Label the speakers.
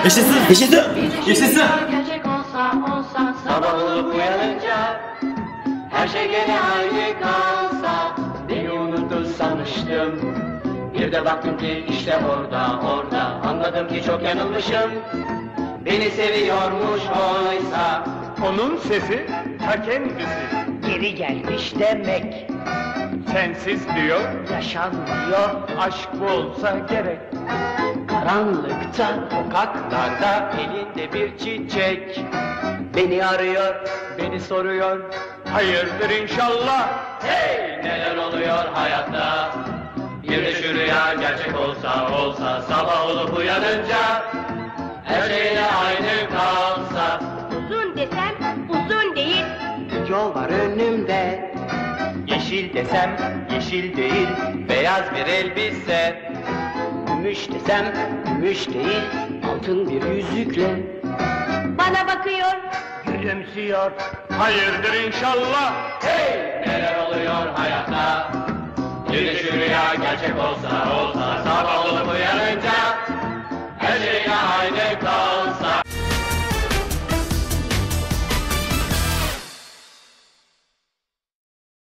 Speaker 1: Yaşasın! Yaşasın! Yaşasın!
Speaker 2: Gerçek olsa sabah olup uyanınca her şey gene aynı kalsa, beni unuttu sanmıştım. Bir de baktım ki işte orada anladım ki çok yanılmışım. Beni seviyormuş oysa.
Speaker 3: Onun sesi ta kendisi.
Speaker 2: Geri gelmiş demek,
Speaker 3: Sensiz diyor,
Speaker 2: yaşanmıyor.
Speaker 3: aşk bu olsa gerek.
Speaker 2: Karanlıkta, sokaklarda elinde bir çiçek beni arıyor, beni soruyor.
Speaker 3: Hayırdır inşallah.
Speaker 2: Hey, neler oluyor hayatta? Bir de şu rüya gerçek olsa sabah olup uyanınca her şeyle aynı kalsa.
Speaker 4: Uzun desem uzun değil.
Speaker 2: Yol var önümde, yeşil desem yeşil değil, beyaz bir elbise. Gümüş desem gümüş değil, altın bir yüzükle
Speaker 4: Bana bakıyor.
Speaker 2: gülümsüyor.
Speaker 3: Hayırdır inşallah.
Speaker 2: Hey, neler oluyor hayatta? Bir de şu rüya gerçek olsa sabah olup uyanınca